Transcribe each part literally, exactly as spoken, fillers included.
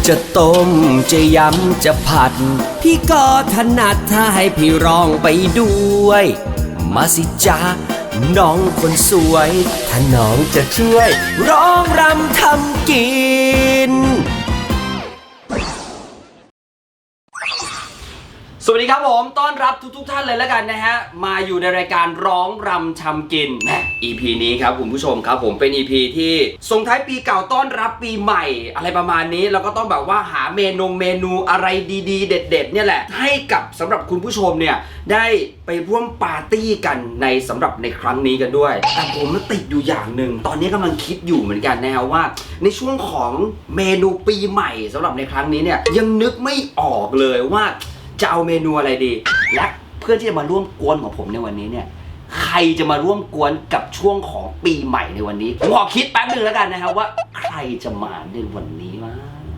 จะต้มจะยำจะผัดพี่ก็ถนัดถ้าให้พี่ร้องไปด้วยมาสิจ๊ะน้องคนสวยถ้าน้องจะช่วยร้องรำทำกินสวัสดีครับผมต้อนรับทุกๆ ท่านเลยแล้วกันนะฮะมาอยู่ในรายการร้องรำทำกินนะ อี พี นี้ครับคุณผู้ชมครับผมเป็น อี พี ที่ส่งท้ายปีเก่าต้อนรับปีใหม่อะไรประมาณนี้เราก็ต้องแบบว่าหาเมนูเมนูอะไรดีๆเด็ดๆเนี่ยแหละให้กับสำหรับคุณผู้ชมเนี่ยได้ไปร่วมปาร์ตี้กันในสำหรับในครั้งนี้กันด้วยแต่ผมมันติดอยู่อย่างหนึ่งตอนนี้กำลังคิดอยู่เหมือนกันนะฮะว่าในช่วงของเมนูปีใหม่สำหรับในครั้งนี้เนี่ยยังนึกไม่ออกเลยว่าจะเอาเมนูอะไรดีและเพื่อนที่จะมาร่วมกวนของผมในวันนี้เนี่ยใครจะมาร่วมกวนกับช่วงของปีใหม่ในวันนี้ผมขอคิดแป๊บนึงแล้วกันนะครับว่าใครจะมาในวันนี้วะ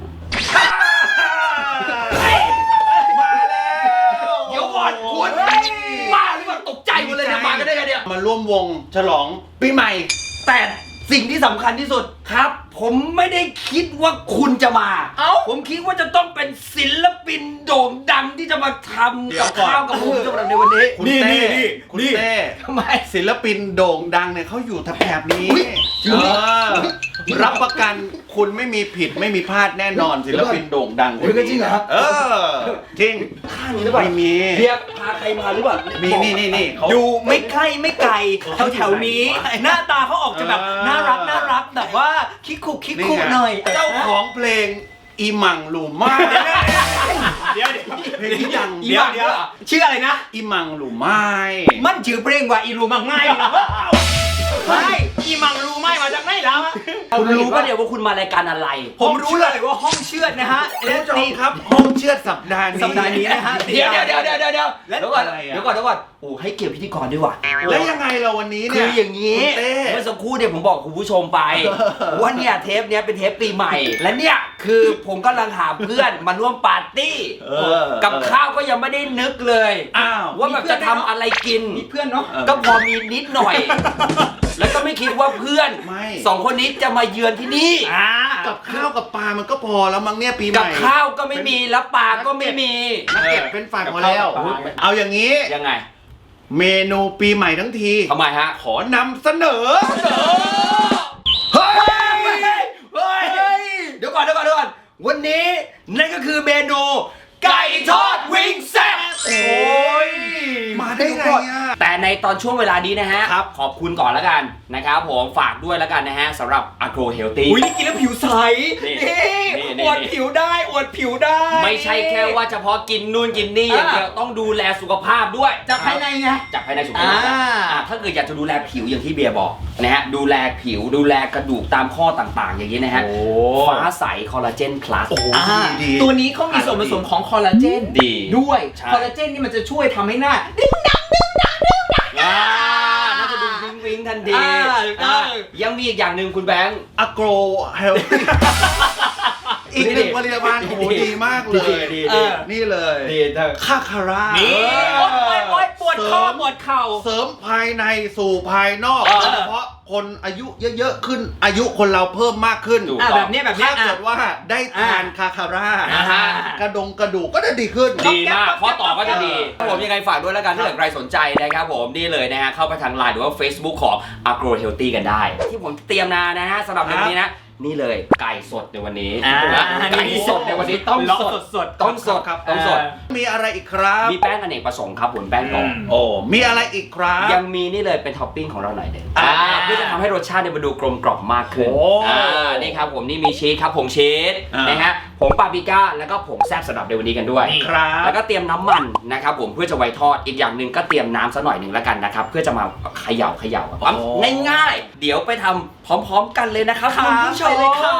มาแล้วเดี๋ยวก่อนคุณมาหรือเปล่าตกใจหมดเลยเนี่ยมากันได้ไงเนี่ยมาร่วมวงฉลองปีใหม่แต่สิ่งที่สำคัญที่สุดครับผมไม่ได้คิดว่าคุณจะมาเอ้าผมคิดว่าจะต้องเป็นศิลปินโด่งดังที่จะมาทำกับข้าวกับผมสำหรับในวันนี้นี่นี่นี่คุณเต้ทำไมศิลปินโด่งดังเนี่ยเขาอยู่แถบนี้รับประกันคุณไม่มีผิดไม่มีพลาดแน่นอนศิลปินโด่งดังคุณจริงเหรอครับเออจริงข้างนี้หรือเปล่าไม่มีเรียกพาใครมาหรือเปล่ามีนี่นี่นี่อยู่ไม่ใกล้ไม่ไกลแถวแถวนี้หน้าตาเขาออกจะแบบน่ารักน่ารักแบบว่าคิกคุกคิกคุกหน่อยเจ้าของเพลงอีหมังหลูม่ายเดี๋ยวเดี๋ยวเพลงอีหมังเดี๋ยวเดี๋ยวชื่ออะไรนะอีหมังหลูม่ายมันชื่อเพลงว่าอีรูมังง่ายนะใช่อีมังรูไม่มาจากไหนแล้วคุณรู้ป่ะเดี๋ยวว่าคุณมารายการอะไรผมรู้เลยว่าห้องเชือดนะฮะและนี่ครับห้องเชือดสัปดาห์นี้สัปดาห์นี้นะฮะเดี๋ยวเดี๋ยวเดี๋ยวเดี๋ยวเดี๋ยวเดี๋ยวก่อนเดี๋ยวก่อนเดี๋ยวก่อนโอ้ให้เกียรติพิธีกรด้วยว่ะแล้วยังไงเราวันนี้เนี่ยคืออย่างนี้เมื่อสักครู่เนี่ยผมบอกคุณผู้ชมไปว่าเนี่ยเทปเนี้ยเป็นเทปปีใหม่และเนี่ยคือผมกำลังหาเพื่อนมาร่วมปาร์ตี้กับข้าวก็ยังไม่ได้นึกเลยว่าแบบจะทำอะไรกินมีเพื่อนเนาะก็พอมีนิดหน่อยแล้วก็ไม่คิดว่าเพื่อนสองคนนี้จะมาเยือนที่นี่กับข้าวกับปลามันก็พอแล้วมั้งเนี่ยปีใหม่กับข้าวก็ไม่มีแล้วปลาก็ไม่มีนักเก็บเป็นฝ่ายพอแล้วเอาอย่างนี้ยังไงเมนูปีใหม่ทั้งทีทำไมฮะขอนำเสนอเฮ้ยเฮ้ยเดี๋ยวก่อนเดี๋ยวก่อนเดี๋ยวก่อนวันนี้นั่นก็คือเมนูไก่ทอดวิงแซ่บโอ้ยมาได้ไงอ่ะแต่ในตอนช่วงเวลานี้นะฮะขอบคุณก่อนแล้วกันนะครับผมฝากด้วยแล้วกันนะฮะสำหรับ Agro Healthy อุ้ยนี่กินแล้วผิวใสนี่อวดผิวได้อวดผิวได้ไม่ใช่แค่ว่าเฉพาะกินนู่นกินนี่อย่างเดียวต้องดูแลสุขภาพด้วยจากภายในไงจากภายในสุขภาพถ้าเกิดอยากจะดูแลผิวอย่างที่เบียร์บอกนะฮะดูแลผิวดูแลกระดูกตามข้อต่างๆอย่างนี้นะฮะฟ้าใสคอลลาเจนพลัสตัวนี้เขามีส่วนผสมของคอลลาเจนดีด้วยคอลลาเจนนี่มันจะช่วยทำให้หน้าดึงดังดึงดังดึงดังน่าจะดูวิงวิงทันทียังมีอีกอย่างหนึ่งคุณแบงค์ Agro Health อีกหนึ่งผลิตภัณฑ์โอ้โหดีมากเลยนี่เลยคาคาร่านี่โอ๊ยโอ๊ยปวดข้อปวดเข่าเสริมภายในสู่ภายนอกโดยเฉพาะคนอายุเยอะๆขึ้นอายุคนเราเพิ่มมากขึ้นแบบนี้แบบนี้ถ้าเกิดว่าได้ทานคาคาร่ากระดงกระดูกก็จะดีขึ้นดีมากข้อต่อก็จะดีผมยังไงฝากด้วยแล้วกันถ้าเกิดใครสนใจนะครับผมนี่เลยนะฮะเข้าไปทางไลน์หรือว่า Facebook ของ Agro Healthy กันได้ที่ผมเตรียมมานะฮะสำหรับวันนี้นะนี่เลยไก่สดในวันนี้ไก่สดในวันนี้ต้องสดสดต้องสดครับต้องสดมีอะไรอีกครับมีแป้งอเนกประสงค์ครับผมแป้งกรอบโอ้มีอะไรอีกครับยังมีนี่เลยเป็นท็อปปิ้งของเราหน่อยเด็ดเพื่อจะทำให้รสชาติมันดูกลมกล่อมมากขึ้นนี่ครับผมนี่มีชีสครับผงชีสนะฮะผงปาปริก้าแล้วก็ผงแซ่บสำหรับในวันนี้กันด้วยแล้วก็เตรียมน้ำมันนะครับผมเพื่อจะไว้ทอดอีกอย่างหนึ่งก็เตรียมน้ำสักหน่อยหนึ่งแล้วกันนะครับเพื่อจะมาเขย่าเขย่าง่ายๆเดี๋ยวไปทำพร้อมๆกันเลยนะครับคุณผู้ชมเลยครับ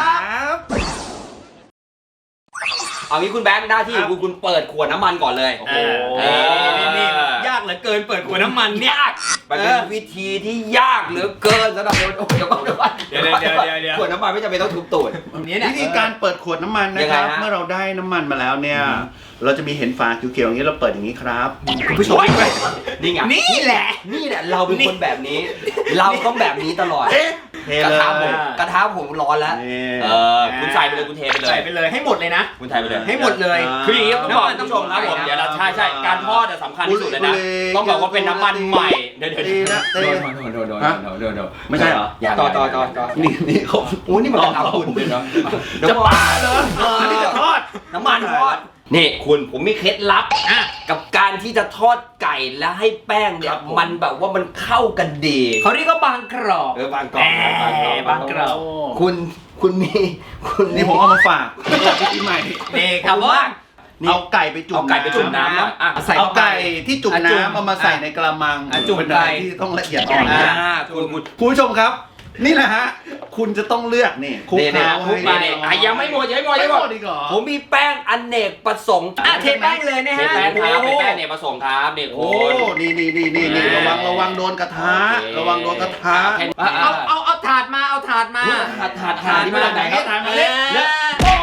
เอางี้คุณแบงค์หน้าที่คุณคุณเปิดขวดน้ำมันก่อนเลยโอ้โหนี่ยากเหลือเกินเปิดขวดน้ำมันเนี่ยมันเป็นวิธีที่ยากเหลือเกินสำหรับคนเดี๋ยวก่อนเดี๋ยวก่อนเดี๋ยวเดี๋ยวเดี๋ยวขวดน้ำมันไม่จำเป็นต้องทุบตูดวิธีการเปิดขวดน้ำมันนะครับเมื่อเราได้น้ำมันมาแล้วเนี่ยเราจะมีเห็นฝาเขียวๆอย่างนี้เราเปิดอย่างนี้ครับคุณผู้ชมนี่ไงนี่แหละนี่แหละเราเป็นคนแบบนี้เราต้องแบบนี้ตลอดเทกระเลยทะผมกระทะผมร้อนแล้วนี่เออคุณใส่ไปเลยคุณเทไปเลยใส่ไปเลยให้หมดเลยนะคุณไทยไปเลยให้หมดเลยคืออย่างนี้ต้องบอกน้ำมันคุณผู้ชมครับผมต้องใส่นะเดี๋ยวเราใช่ใช่การทอดสำคัญที่สุดเลยนะบุหรี่ต้องบอกว่าเป็นน้ำมันใหม่เดี๋ยวเดี๋ยวตีนะตีโดนโดนโดนฮะโดนโดนโดนไม่ใช่เหรอย่างต่อต่อต่อต่อนี่นี่เขาโอ้นี่มันกระทะหุ่นเลยเนาะจะปาเลยอันนี้จะทอดน้ำมันทอดนี่คุณผมมีเคล็ดลับอ่ะกับการที่จะทอดไก่แล้วให้แป้งเนี่คยรับผมมันแบบว่ามันเข้ากันดีเขาเรียกว่าบางกรอบเออบางกรอบแหมบางกรอบโคุณคุณมีคุณนี่ผมเอามาฝากปีใหม่นี่ครับว่าเอาไก่ไปจุ่มเอาไก่ไปจุ่มน้ำหน่อยอ่ะใส่เอาไก่ที่จุ่มอ่ะจุ่มน้ำเอามาใส่ในกระมังอ่ะจุ่มเป็นอะไรไก่ที่ต้องละเอียดอ่อนอ่านะคุณคุณคุณผู้ชมครับ นี่แหละฮะ คุณจะต้องเลือกนี่คลุกเนี่ยเคล้าคลุกไปให้อ่ะยังไม่หมดยังไม่หมดยังไม่ไม่หหมมดดอีกเหรอผมมีแป้งอเนกประสงค์อ่ะเทแป้งเลยนะเทฮะแป้งครับเป็นแป้งอเนกประสงค์ครับนี่โอ้คุณนี่นี่นี่นี่นี่ระวังระวังโดนกระทะโอเคระวังโดนกระทะอ่ะเอาเอาเอาถาดมาเอาถาดมาอุ๊ยถาดถาดถาดนี่มาจากไหนครับถาดมาเนี่ยเนี่ยโอ้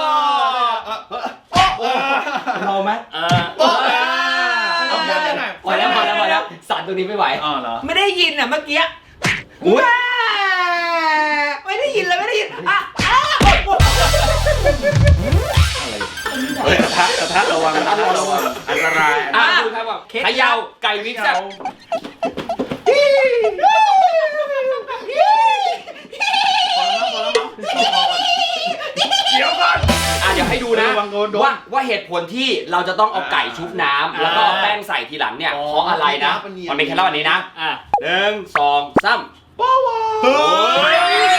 เราไหมเออโอ้เออเอาเยอะๆหน่อยพอแล้วพอแล้วพอแล้วสั่นตรงนี้ไม่ไหวอ๋อเหรอไม่ได้ยินอ่ะเมื่อกี้อุ๊ยแม่ไม่ได้ยินเลยไม่ได้ยินอ่ะอ่ะเฮ้ยกระทะกระทะระวังกระทะระวังอันตรายอ่ะดูครับผมเขย่าไก่วิกซ์อะเดี๋ยวก่อนอ่ะเดี๋ยวให้ดูนะระวังโดนโดนว่าว่าเหตุผลที่เราจะต้องเอาไก่ชุบน้ำแล้วก็เอาแป้งใส่ทีหลังเนี่ยอ๋อเพราะอะไรนะมันเนียนมันเป็นแค่รอบนี้นะอ่ะหนึ่งสองสามเฮ้ย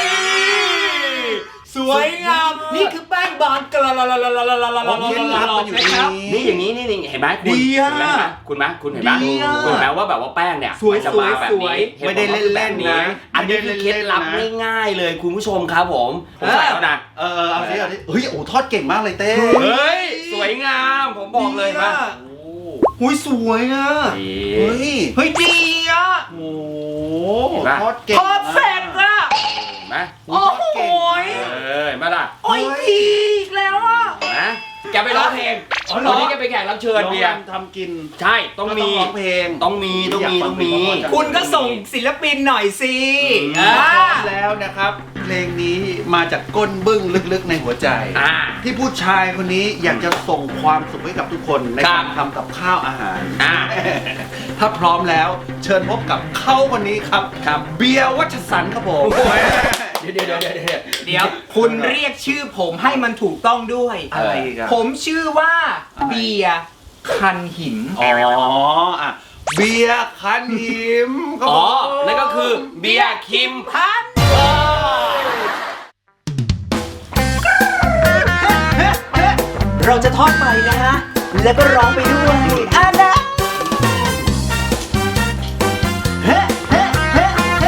สวยงามนี่คือแป้งบางกระลาลาลาลาลาลาลาลาเคล็ดลับมันอยู่นะครับนี่อย่างนี้นี่นี่เห็นไหมคุณดีอะเห็นไหมคุณไหมคุณเห็นไหมดีอะคุณเห็นไหมว่าแบบว่าแป้งเนี่ยสวยมันจะมาแบบสวยนี้ไม่ได้เล่นๆนะอันนี้คือเคล็ดลับง่ายๆเลยคุณผู้ชมครับผมผมใส่แล้วนะเออเอาสิเอาสิเฮ้ยโอ้ทอดเก่งมากเลยเต้เฮ้ยสวยงามผมบอกเลยว่าหุยสวยอ่ะเฮ้ยเฮ้ยดีอ่ะโอ้เห็นปะทอดเก่งเพอร์เฟกต์อ่ะเห็นไหมโอ้โหยเออเห็นไหมล่ะโอ้ยดีอีกแล้วอ่ะเห็นไหมแกไปร้องเพลงอ๋อเหรอวันนี้แกไปแขกรับเชิญเบียร์ทำกินใช่ต้องมีร้องเพลงต้องมีต้องมีต้องมีคุณก็ส่งศิลปินหน่อยสิอืมอ่าพร้อมแล้วนะครับ เพลงนี้มาจากก้นบึ้งลึกๆในหัวใจอ่าที่ผู้ชายคนนี้อยากจะส่งความสุขให้กับทุกคนในครักาบรทำกับข้าวอาหารอ่าถ้าพร้อมแล้วเชิญพบกับเขาคนนี้ครับครับเบียร์วัชสันต์ครับผมเดี๋ยวเดี๋ยวเดี๋ยวเดี๋ยวเดี๋ยวเดี๋ยวคุณเรียกชื่อผมให้มันถูกต้องด้วยอะไรอีกอะผมชื่อว่าเบียร์คันหินอ๋ออ่ะเบียร์คันหิมครับอ๋อผมนั่นก็คือเบียร์คิมพันเราจะทอดไปนะฮะ แล้วก็ร้องไปด้วยอ่ะนะเฮ้เฮ้เฮ้เฮ้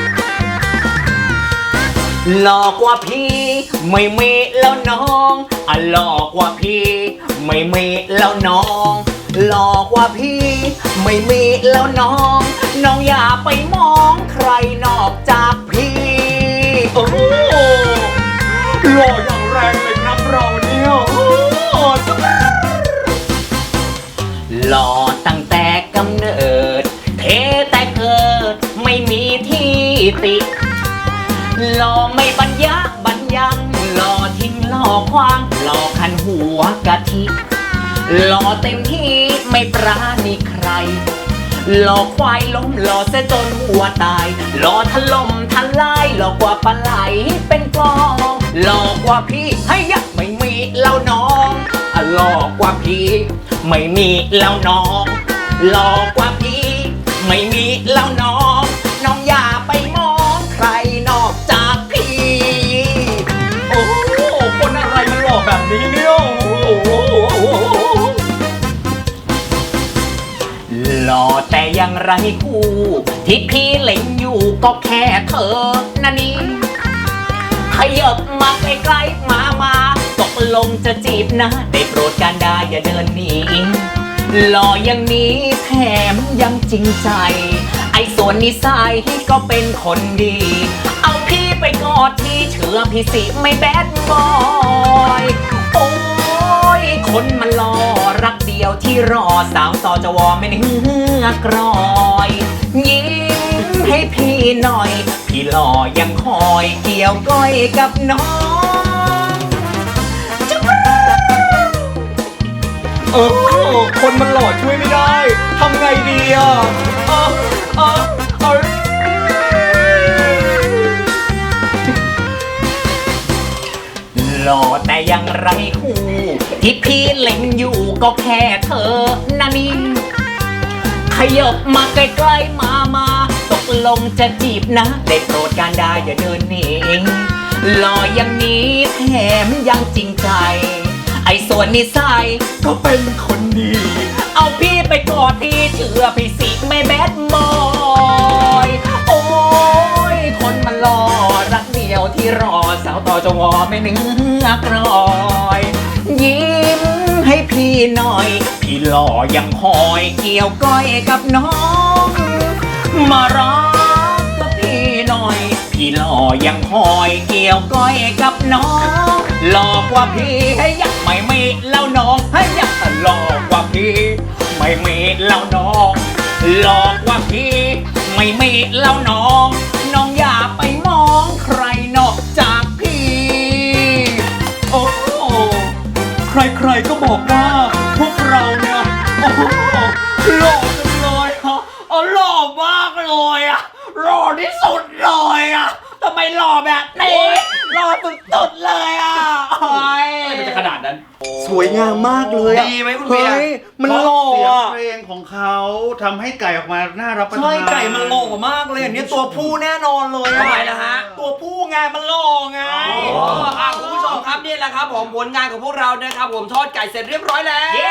หลอกกว่าพี่ไม่มีแล้วน้องอ่ะหลอกกว่าพี่ไม่มีแล้วน้องหลอกกว่าพี่ไม่มีแล้วน้อง น้องอย่าไปมองใครนอกจากพี่โอ้หล่ออย่างแรงเลยครับเราเนี่ยโอ้หล่อตั้งแต่กำเนิด เทแต่เกิดไม่มีที่ติหล่อไม่บรรยะบรรยังหล่อทิ้งหล่อควางหล่อคันหัวกะทิหล่อเต็มที่ไม่ปราณีใครหล่อควายล้มหล่อเสียจนหัวตายหล่อถล่มทลายหล่อกว่าปลาไหลเป็นกลองหล่อกว่าพี่ให้ยักไม่มีเล่าน้องอ่ะหล่อกว่าพี่ไม่มีเล่าน้องหล่อกว่าพี่ไม่มีเล่าน้องน้องอย่าไปมองใครนอกจากพี่ โอ้คนอะไรมันหล่อแบบนี้เนี่ยโอ้หล่อแต่ยังไรคู่ที่พี่เล็งอยู่ก็แค่เธอนะนี่ขยับมาใกล้ๆมามาตกลงจะจีบนะได้โปรดการได้อย่าเดินหนีหล่ออย่างนี้แถมยังจริงใจไอ้ส่วนนิสัยก็เป็นคนดี เอาพี่ไปกอดที่เชื่อพี่สิไม่แบดบอยโอ้ยคนมันรอรักเดียวที่รอสาวซอจะวอไม่เหือกรอยยิ้มให้พี่หน่อย พี่หล่อยังคอยเกี่ยวก้อยกับน้องเออคนมันหล่อช่วยไม่ได้ทำไงดีอ่ะเออเออเออหล่อแต่ยังไรคู่ที่พี่เล็งอยู่ก็แค่เธอนะนี่ขยบมาใกล้ๆมามาตกลงจะจีบนะได้โปรดการได้อย่าเดินหนีหล่ออย่างนี้แถมยังจริงใจ ไอ้ส่วนนิสัยก็เป็นคนดี เอาพี่ไปกอดทีเชื่อพี่สิไม่แบดบอยโอ้ยคนมันหล่อรักเดียวที่รอสาวต่อจงอไม่เนื้อกรอย ยิ้มให้พี่หน่อย พี่หล่อยังคอยเกี่ยวก้อยกับน้อง มารักกับพี่หน่อย พี่หล่อยังคอยเกี่ยวก้อยกับน้องหล่อกว่าพี่ให้ยักไม่มีแล้วน้องให้ยักหล่อกว่าพี่ไม่มีแล้วน้องหลอกว่าพี่ไม่มีแล้วน้อง น้องอย่าไปมองใครนอกจากพี่โอ้โหใครๆก็บอกว่าพวกเราเนี่ยโอ้โหหล่อจังเลยฮะอ๋อหล่อมากเลยอ่ะหล่อที่สุดเลยอ่ะทำไมหล่อแบบนี้หล่อสุดๆเลยอ่ะโอ้ยอะไรมันจะขนาดนั้นสวยงามมากเลยอะดีไหมคุณเบียร์เฮ้ยมันหล่อเสียงอ่ะเพลงของเขาทำให้ไก่ออกมาน่ารับประทานใช่ไก่มันหล่อมากเลยอันนี้ตัวผู้แน่นอนเลยอทำไมล่ะฮะตัวผู้ไงมันหล่อไงอ๋ออ่ะคุณผู้ชมครับนี่แหละครับผมผลงานของพวกเรานะครับผมทอดไก่เสร็จเรียบร้อยแล้วเย้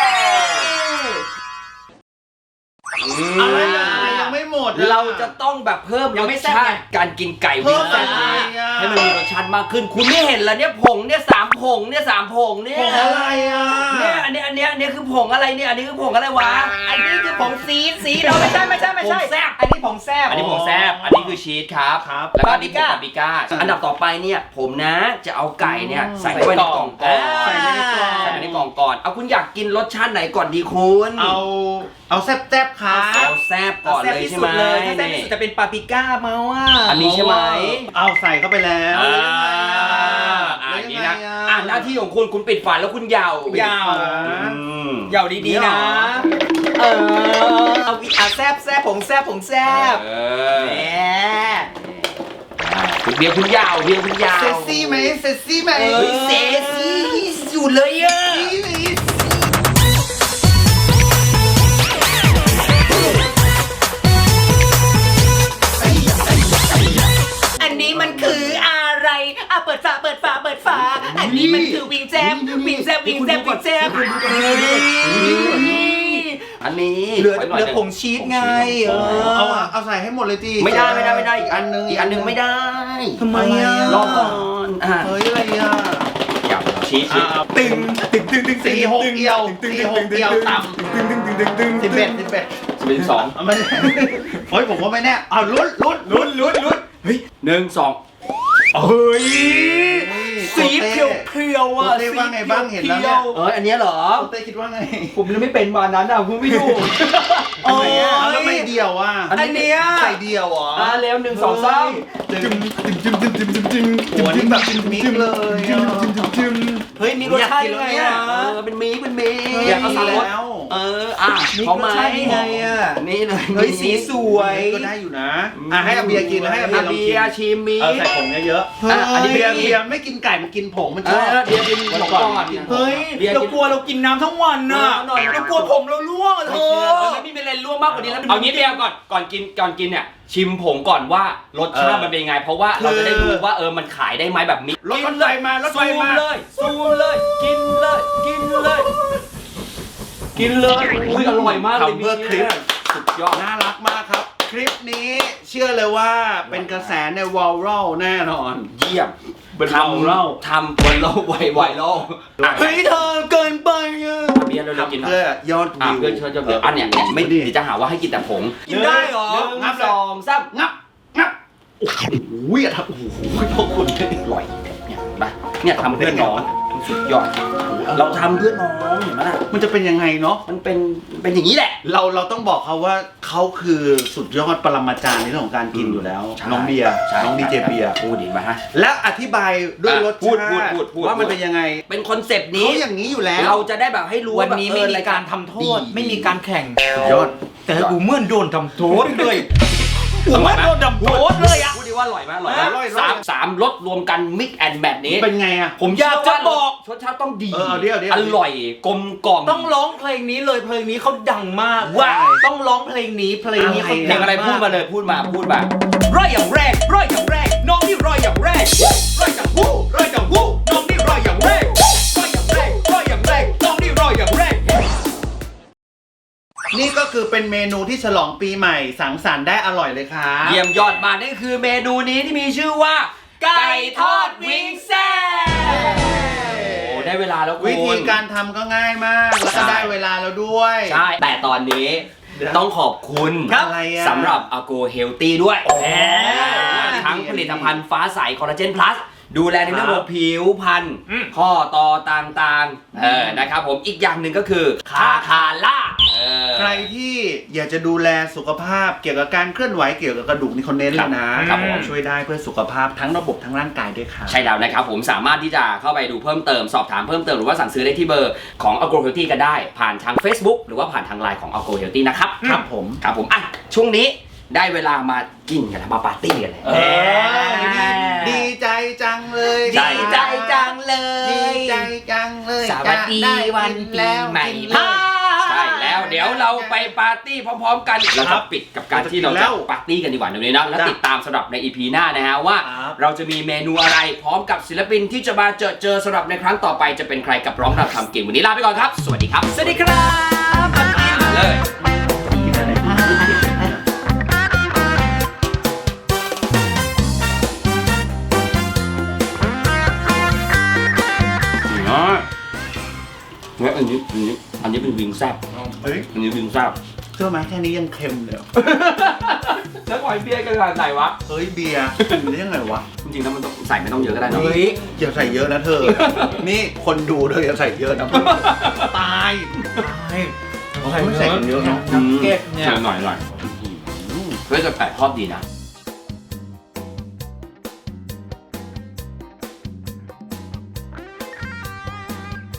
อะไรนะยังไม่หมดอเราจะต้องแบบเพิ่มยัรงไม่สแซ่บชาไงติการกินไก่เพิ่วิ่มงอะไรให้อ่ะให้มันมีรสชาติมากขึ้น คุณไม่เห็นแล้วเนี่ยผงเนี่ยสามผงเนี่ยสามผงเนี่ยผงอะไรอ่ะเนี่ยอันนี้อันนี้อันนี้คือผงอะไรเนี่ยอันนี้คือผงอะไรวะอันนี้คือผงซีดซีดเราไม่ใช่ไม่ใช่ไม่ใช่ผงแซ่บอันนี้ผงแซ่บอันนี้ผงแซบอันนี้คือชีสครับครับแล้วก็อันนี้ผงปาปาปปริริก้าก้าอันดับต่อไปเนี่ยผมนะจะเอาไก่เนี่ยใส่เข้าไปในกล่องก่อนใส่ไว้ในกล่องใส่ไปในกล่องก่อนเอาคุณอยากกินรสชาติไหนก่อนดีคุณเอาเอาแซ่บๆครับเอาแซบก่อนเลยใช่ไหมถ้าแซ่บที่สุดจะเป็นปาปริก้ามาว่าอันนี้ใช่ไหมเอาใส่เข้าไปแล้วอ่าแล้อ่าวยังนี้ไงนะอ่ะอ่าหน้าที่ของคุณคุณปิดฝาแล้วคุณยาวยาวอืมยาวดีๆนะ เออเอาวิอ่ะแซ่บแซ่บผงแซ่บผงแซ่บเอแหอมคุณเบียร์คุณยาวเบียร์คุณยาวเซ็กซี่ไหมเซ็กซี่ไหมเฮ้ยเซ็กซี่สุดเลยอ่ะอันนี้มันคืออะไรอ่ะเปิดฝาเปิดฝาเปิดฝาอันนี้มันคือวิงแจมวิงแจมวิงแจมวิงแจมเฮ้ยอันนี้เหลือไว้เหน่ยลือผงชีสไงเออเอาอ่ะเอาใส่ให้หมดเลยจีไม่ได้ไม่ได้ไม่ได้อีกอันนึงอีกอันหนึงไม่ได้ทำไมอ่ะรอก่อนอ่ะเฮ้ยอะไรอ่ะอยากชีสชีสตึงตึงตึงตึงสี่หกเอียวสี่หกเอียวต่ตึงตึงตึงตึงตึงำสิบเอ็ดสิบเอ็ดสิบสองเอาไม่ได้เฮ้ยผมว่าไม่แน่เอาลุ้นลุ้นลุ้นลุ้นลุ้นหนึ่งสองเฮ้ยสีโคเพีเต้ยวเพียวๆอ่ะโคเต้ว่าไงบ้างเห็นแล้วเนี่ยเอออันเนี้ยเหรอโคเต้คิดว่าไงผมยังไม่เป็นมานั้นอ่ะคุณไม่ดูทำไมอ่ะเอาแล้วไม่เดียวอ่ะอันนี้อันเนี้ยใส่เดียวเหรออ่ะเร็วหนึ่งสองสามจึมจึมจึมจึมจึมจึมจึมโหนี่แบบมิกเลยจึอ่ะมจึมจึมจึมเฮ้ยมีรสชาติยังไงอ่ะเออเป็นมีเป็นมีเฮ้ยอยากเอาสามรสแล้วเอออ่ะมีพร้อมไหมรสชาติยังไงอ่ะนี่เลยเฮ้ยสีสวยก็ได้อยู่นะอ่ะให้อาเบียร์กินให้อาเบียอาร์ลองเบีกินยร์ชิมมีเออใส่ผงเยอะอ่ะอันนี้ๆเบีเบียยร์ร์เบีเบียยร์ร์ไม่กินไก่มันกินผงมันเอชอบอเบียร์กินผงก่อนเฮ้ยเบียร์เรากินกลัวเรากินน้ำทั้งวันน่ะหน่อยเรากลัวผมเราล่วงอะเธเอออไม่มีอะไรร่วมมากกว่านี้แล้วเอางี้เบียร์ก่อนก่อนกินก่อนกินเนี่ยชิมผงก่อนว่ารสชาติมันเป็นยังไง เพราะว่าเราจะได้รู้ว่าเออมันขายได้ไหมแบบมิกรถไฟมารถไฟซูมมาเลยซูมเลยกินเลยกินเลย กินเลยอุ้ยอร่อยมากเลยทำเพื่อคลิปสุดยอดน่ารักมากครับ คลิปนี้เชื่อเลยว่าเป็นกระแสในวอลรัลแน่นอนเยี่ยมเป็นท viral ำทำบนโลกไวไวโลกอ่ะเฮ้ยเธอเกินไปอ่ะเบียร์เราเรากินทำเพื่อยอดอ่ะวิวเพื่อนเชิญเดี๋ยวอันเนี้ยเนี่ยไม่ดีจะหาว่าให้กินแต่ผงกินได้เหรอหนึ่งสองสามงับงับโอ้โหอย่าทำโอ้โหพวกคุณอร่อยเนี่ยไปเนี่ยทำเพื่อนน้องเสุดยอดเราทำเพื่อน้องเห็นไหมล่ะมันจะเป็นยังไงเนาะมันเป็นเป็นอย่างนี้แหละเราเราต้องบอกเขาว่าเขาคือสุดยอดปรมาจารย์ในเรื่องของการกินอยู่แล้วใช่น้องเบียร์ใช่น้องดีเจเบียร์พูดดีไหมฮะและอธิบายด้วยอ่ะรสพูดชาพูดติพูดพูดว่ามันเป็นยังไงเป็นคอนเซปต์นี้เขาอย่างนี้อยู่แล้วเราจะได้แบบให้รู้วันนี้แบบไม่เออมีการทำโทษดีไม่มีการแข่งสุดยอดแต่กูเหมื่อนโดนทำโทษเลยกูเหมื่อนโดนทำโทษเลยอ่ะพูดดีว่าอร่อยไหมอร่อยไหมอร่อยอร่อยสามสามรสรวมกันมิกแอนด์แมทนี้เป็นไงอ่ะผมอยากจะบอกรสชาติต้องดีเออเอาดิเอาดิอเอาดิร่อยกลมกล่อมต้องร้องเพลงนี้เลยเพลงนี้เขาดังมากว่าต้องร้องเพลงนี้เพลงนี้เขาเพลงอะไรพูดมาเลยพูดมาพูดมาร้อยอย่างแรกร้อยอย่างแรกน้องนี่ร้อยอย่างแรกร้อยอย่างหู้ร้อยอย่างหู้น้องนี่ร้อยอย่างแรกร้อยอย่างแรกร้อยอย่างแรกน้องนี่ร้อยอย่างแรกนี่ก็คือเป็นเมนูที่ฉลองปีใหม่สังสรรค์ได้อร่อยเลยครับเยี่ยมยอดมากนี่คือเมนูนี้ที่มีชื่อว่า ไก่ทอดวิงแซ่บโอ้ได้เวลาแล้วคุณวิธีการทำก็ง่ายมาก แล้วก็ได้เวลาแล้วด้วยใช่ แต่ตอนนี้ต้องขอบคุณอะไรอะสำหรับ Ago Healthy ด้วยโอ้แหมทั้งผลิตภัณฑ์ฟ้าใสคอลลาเจนพลัสดูแลในเรื่องของผิวพรรณข้อต่อต่างๆเออนะครับผมอีกอย่างหนึ่งก็คือคาคาล่าเออใครที่อยากจะดูแลสุขภาพเกี่ยวกับการเคลื่อนไหวเกี่ยวกับกระดูกนี่เขาเน้นเลยนะครับผมช่วยได้เพื่อสุขภาพทั้งระบบทั้งร่างกายด้วยครับใช่แล้วนะครับผมสามารถที่จะเข้าไปดูเพิ่มเติมสอบถามเพิ่มเติมหรือว่าสั่งซื้อได้ที่เบอร์ของ Ago Healthy ก็ได้ ผ่านทาง Facebook หรือว่าผ่านทางไลน์ของ Ago Healthy นะครับครับผมครับผมอ่ะช่วงนี้ได้เวลามากินกันแล้วมาปาร์ตี้กันเลยเออดีใจจังเลยใช่ดีใจจังเลดียใจจังเลยสวัสดีจะไวันปีใหม่กินพาใช่แล้วเดี๋ยวเราไปปาร์ตี้พร้อมๆกันเราจะปิดกับการที่เราจะปาร์ตี้กันดีกว่าเดี๋ยวนี้นะแล้วติดตามสำหรับใน อี พี หน้านะฮะว่า เราจะมีเมนูอะไรพร้อมกับศิลปินที่จะมาเจอเจอสำหรับในครั้งต่อไปจะเป็นใครกับร้องรำทำกินวันนี้ลาไปก่อนครับสวัสดีครับสวัสดีครับมากินมาเลยกินอะไรอ๋อเนี่ยอันนี้อันนี้อันนี้เป็นวิงแซ่บเฮ้ยอันนี้วิงแซ่บเชื่อไหมแค่นี้ยังเค็มเลยแล้วปล่อยเบียร์กันขนาดไหนวะเฮ้ยเบียร์กินได้ยังไงวะจริงๆแล้วมันต้องใส่ไม่ต้องเยอะก็ได้เนอะเฮ้ยอย่าใส่เยอะนะเธอ นี่คนดูเธออย่าใส่เยอะนะตายเขาไม่ใส่กันเยอะเนาะนักเก็ตเนี่ยใส่หน่อยหน่อยเพื่อจะแปะทอดดีนะ